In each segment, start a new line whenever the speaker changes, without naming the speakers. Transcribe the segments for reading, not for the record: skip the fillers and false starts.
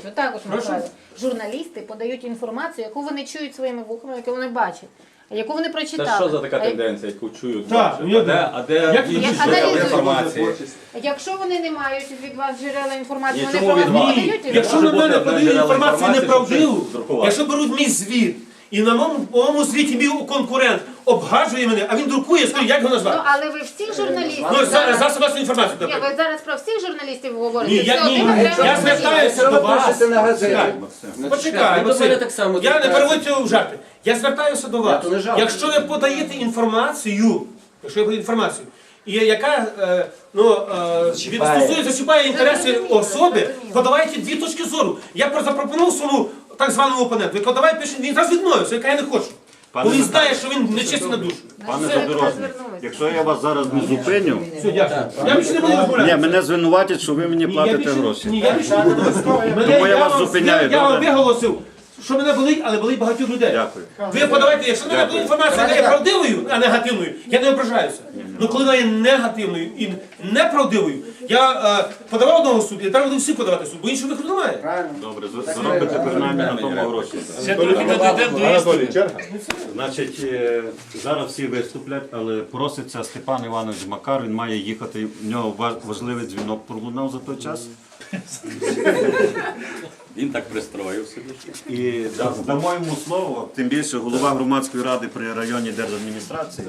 отак от Михайло. Журналісти подають інформацію, яку вони чують своїми вухами, яку вони бачать, яку вони прочитали.
Це що за така тенденція, яку чують?
Так,
А де інші джерела інформації?
Якщо вони не мають від вас джерела інформації,
Ні,
вони
чому
про вас
від
не
вас?
подають
Ні,
інформацію.
якщо на
Може бути
мене
одне
подають
джерело
інформацію
інформації,
неправдиву,
щоб друкувати.
якщо беруть мій звіт, і на моєму звіті мій конкурент обгаджує мене, а він друкує, скажу, як його
Ну,
назвати?
але ви всіх журналістів
Ну,
зараз...
засоб масової інформації.
Ні,
наприклад.
ви зараз про всіх журналістів говорите.
Ні,
Це
я
один окремий
я
журналіст.
звертаюся до вас.
на газеті.
Так. Почекай,
до мене так само
я не
звертаюся.
переводь цього в жарти. Я звертаюся до вас.
то не жарт.
Якщо ви подаєте інформацію, і яка зачіпає інтереси особи, подавайте дві точки зору. Я запропонував своєму так званому опоненту, який давай пише, він раз відмовився, яка я не хочу. Бо він знає, що він нечистий на душу.
Пане
Все,
Задорожний,
розвернулися.
якщо я вас зараз не зупиню,
Все, дякую. Я більше не буду
ні,
розмовляти.
мене звинуватять, що ви мені
Ні,
платите гроші.
Ні, я більше не буду розмовляти.
Тому я вас зупиняю,
Я вам
добре?
виголосив, що мене болить, але болить багатьох людей.
Дякую.
Ви подавайте, якщо мене буде інформація, яка є правдивою, а негативною, я не ображаюся. Ну коли вона є негативною і неправдивою, я подавав одного суду, і треба буде всі подавати суд, бо іншого виходу немає.
Добре, заробите принаймні на тому гроші. Значить, зараз всі виступлять, але проситься Степан Іванович Макар, він має їхати, в нього важливий дзвінок пролунав за той час.
Він так пристроїв собі.
І дамо йому слово, тим більше голова громадської ради при районній держадміністрації.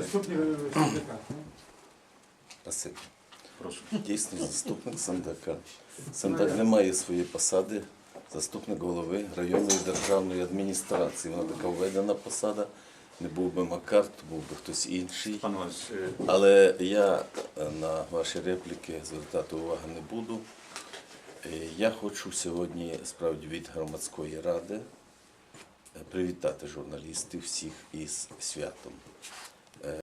Спасибо. Дійсно, заступник Сандака. Сандак не має своєї посади. Заступник голови районної державної адміністрації. Вона така введена посада. Не був би Макар, то був би хтось інший.
Пан Іванович,
Але я на ваші репліки звертати уваги не буду. Я хочу сьогодні справді від громадської ради привітати журналістів всіх із святом.